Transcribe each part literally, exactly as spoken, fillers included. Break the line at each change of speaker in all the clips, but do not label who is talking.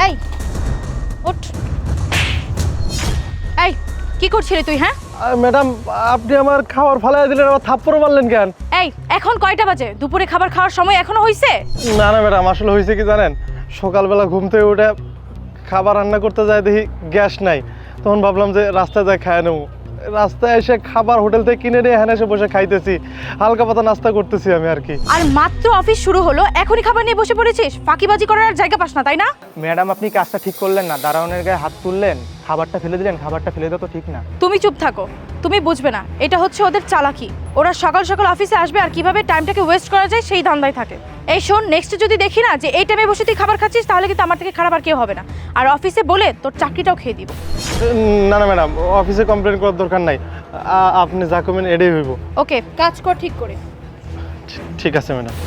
এই ওঠ। এই কি করছিলি তুই? হ্যাঁ
ম্যাডাম, আপনি আমার খাবার ফালাই দিলেন, আমার থাপ্পড় মারলেন কেন?
এই এখন কয়টা বাজে? দুপুরে খাবার খাওয়ার সময় এখনো হইছে?
না না ম্যাডাম, আসলে হয়েছে কি জানেন, সকালবেলা ঘুম থেকে উঠে খাবার রান্না করতে যায় দেখি গ্যাস নাই, তখন ভাবলাম যে রাস্তায় যাই খায় নেবো। রাস্তায় এসে খাবার হোটেল থেকে কিনে নিয়ে এখানে এসে বসে খাইতেছি, হালকা পাতা নাস্তা করতেছি আমি আর কি।
আর মাত্র অফিস শুরু হলো, এখনই খাবার নিয়ে বসে পড়েছিস? ফাঁকিবাজি করার আর জায়গা পাস না, তাই না?
ম্যাডাম, আপনি কাজটা ঠিক করলেন না। দারোয়ানের গায়ে হাত তুললেন, খাবারটা ফেলে দিলেন। খাবারটা ফেলে দেওয়া তো ঠিক না।
তুমি চুপ থাকো, তুমি বুঝবে না, এটা হচ্ছে ওদের চালাকি। ওরা সকাল সকাল অফিসে আসবে আর কিভাবে টাইমটাকে ওয়েস্ট করা যায় সেই ধান্দায় থাকে। এই শোন, নেক্সট যদি দেখি না যে এই টাইমে বসে তুই খাবার খাচ্ছিস, তাহলে কিন্তু আমার থেকে খারাপ আর কেউ হবে না। আর অফিসে বলে তোর চাকরিটাও খেয়ে দিব।
না না ম্যাডাম, অফিসে কমপ্লেন করার দরকার নাই, আ- আপনি যা করবেন এটাই হইব।
ওকে, কাজ কর ঠিক করে।
ঠিক আছে ম্যাডাম।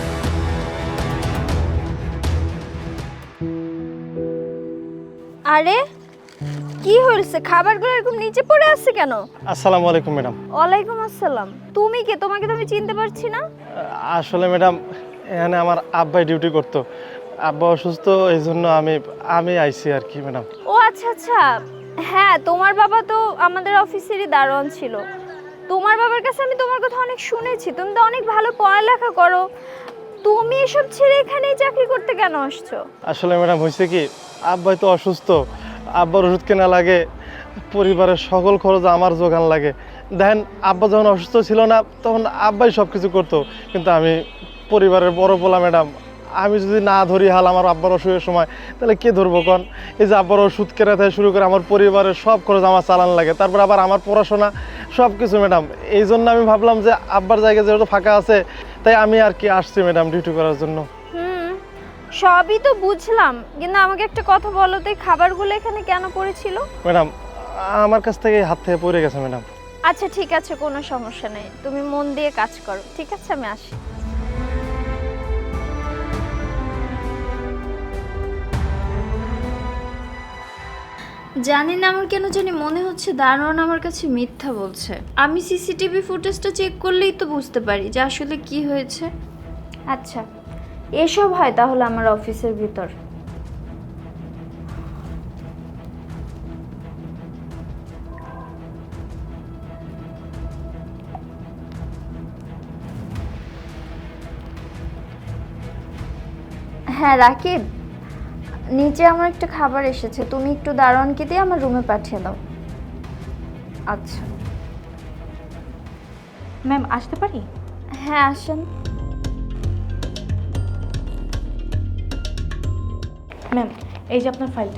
আরে কি হয়েছে? খাবারগুলো এরকম নিচে পড়ে আছে কেন?
আসসালামু আলাইকুম ম্যাডাম।
ওয়ালাইকুম আসসালাম। তুমি কে? তোমাকে তো আমি চিনতে পারছি না।
আসলে ম্যাডাম, এখানে আমার আব্বাই ডিউটি করতো, আব্বা অসুস্থ, এই জন্য আমি আমি আইছি আর কি ম্যাডাম।
ও আচ্ছা আচ্ছা, হ্যাঁ তোমার বাবা তো আমাদের অফিসেরই দারোয়ান ছিল। তোমার বাবার কাছে আমি তোমার কথা অনেক শুনেছি, তুমি তো অনেক ভালো পড়ালেখা করো। তুমি এসব ছেড়ে এখানেই চাকরি করতে কেন আসছো?
আসলে ম্যাডাম হয়েছে কি, আব্বাই তো অসুস্থ, আব্বার ওষুধ কেনা লাগে, পরিবারের সকল খরচ আমার যোগান লাগে। দেখেন, আব্বা যখন অসুস্থ ছিল না, তখন আব্বাই সব কিছু করতো, কিন্তু আমি পরিবারের বড় পোলা ম্যাডাম, আমি যদি না ধরি হাল আমার আব্বার অসুখের সময়, তাহলে কে ধরবো কন? এই যে আব্বার ওষুধ কেনা থেকে শুরু করে আমার পরিবারের সব খরচ আমার চালান লাগে, তারপর আবার আমার পড়াশোনা সব কিছু ম্যাডাম। এই জন্য আমি ভাবলাম যে আব্বার জায়গা যেহেতু ফাঁকা আছে, তাই আমি আর কি আসছি ম্যাডাম ডিউটি করার জন্য।
হুম, সবই তো বুঝলাম, কিন্তু আমাকে একটা কথা বলো তো, এই খাবারগুলো এখানে কেন পড়েছিল?
ম্যাডাম, আমার কাছ থেকে হাত থেকে পড়ে গেছে ম্যাডাম।
আচ্ছা ঠিক আছে, কোনো সমস্যা নেই, তুমি মন দিয়ে কাজ করো। ঠিক আছে, আমি আসি। জানি না, আমার কেন জানি মনে হচ্ছে দারোয়ান আমার কাছে মিথ্যা বলছে। আমি সিসিটিভি ফুটেজটা চেক করলেই তো বুঝতে পারি যে আসলে কি হয়েছে। আচ্ছা, এসব হয় তাহলে আমার অফিসের ভিতর। হ্যাঁ রাকিব, নিচে আমার একটা খাবার এসেছে, তুমি একটু দারোয়ানকে দিয়ে আমার রুমে পাঠিয়ে দাও। আচ্ছা
ম্যাম, আসতে পারি?
হ্যাঁ আসেন।
ম্যাম, এই যে আপনার ফাইলটা।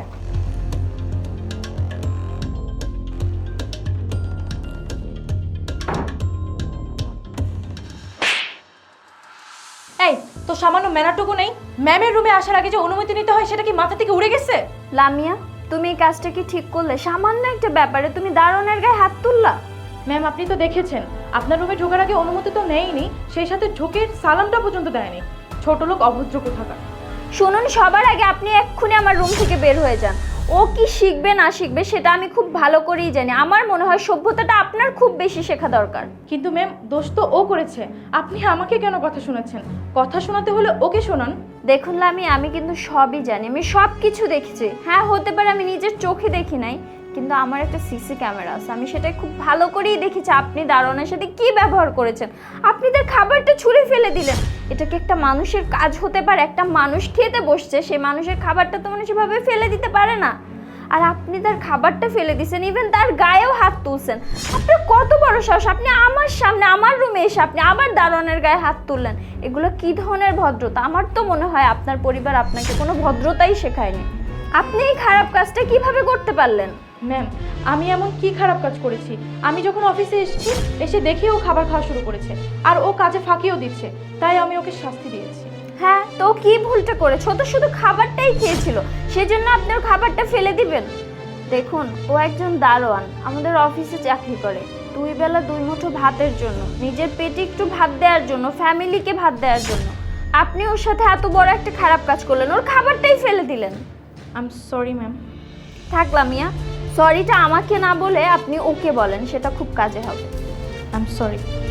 এই তো সামান্য ম্যানারটুকু নেই? ম্যামের রুমে আসার আগে যে অনুমতি নিতে হয়, সেটা কি মাথা থেকে উড়ে গেছে?
লামিয়া, তুমি এই কাজটা কি ঠিক করলে? সামান্য একটা ব্যাপারে তুমি দারোয়ানের গায়ে হাত তুললা।
ম্যাম, আপনি তো দেখেছেন, আপনার রুমে ঢোকার আগে অনুমতি তো নেয়নি, সেই সাথে ঢোকে সালামটা পর্যন্ত দেয়নি। ছোট লোক, অভদ্র কোথাকার।
শুনুন, সবার আগে আপনি এক্ষুনি আমার রুম থেকে বের হয়ে যান। ও কি শিখবে না শিখবে সেটা আমি খুব ভালো করেই জানি। আমার মনে হয় সভ্যতাটা আপনার খুব বেশি শেখা দরকার।
কিন্তু ম্যাম, দোষ তো ও করেছে, আপনি আমাকে কেন কথা শোনাচ্ছেন? কথা শোনাতে হলে ওকে শোনান।
দেখুন লামি, আমি কিন্তু সবই জানি, আমি সব কিছু দেখেছি। হ্যাঁ হতে পারে আমি নিজের চোখে দেখি নাই, কিন্তু আমার একটা সিসি ক্যামেরা আছে, আমি সেটা খুব ভালো করেই দেখেছি আপনি দারোয়ানের সাথে কি ব্যবহার করেছেন। আপনি তার খাবারটা ছুঁড়ে ফেলে দিলেন। এটা কি একটা মানুষের কাজ হতে পারে? একটা মানুষ খেতে বসছে, সেই মানুষের খাবারটা তো মানুষ এভাবে ফেলে দিতে পারে না। আর আপনি তার খাবারটা ফেলে দিয়েছেন, ইভেন তার গায়েও হাত তুলছেন। আপনার কত বড় সাহস, আপনি আমার সামনে আমার রুমে এসে আপনি আবার দারোয়ানের গায়ে হাত তুললেন। এগুলো কি ধরনের ভদ্রতা? আমার তো মনে হয় আপনার পরিবার আপনাকে কোনো ভদ্রতাই শেখায়নি। আপনি এই খারাপ কাজটা কিভাবে করতে পারলেন?
ম্যাম, আমি এমন কি খারাপ কাজ করেছি? আমি যখন অফিসে এসেছি, এসে দেখি ও খাবার খাওয়া শুরু করেছে, আর ও কাজে ফাঁকিও দিচ্ছে, তাই আমি ওকে শাস্তি দিয়েছি।
হ্যাঁ, তো কি ভুলটা করেছো? ও তো শুধু খাবারটাই খেয়েছিল, সেজন্য আপনি ওর খাবারটা ফেলে দিবেন? দেখুন, ও একজন দারোয়ান, আমাদের অফিসে চাকরি করে। দুই বেলা দুই মুঠো ভাতের জন্য, নিজের পেটে একটু ভাত দেওয়ার জন্য, ফ্যামিলিকে ভাত দেওয়ার জন্য আপনি ওর সাথে এত বড় একটা খারাপ কাজ করলেন, ওর খাবারটাই ফেলে দিলেন।
I am sorry ma'am.
থাকলাম মিয়া, সরিটা আমাকে না বলে আপনি ওকে বলেন, সেটা খুব কাজে হবে।
I am sorry.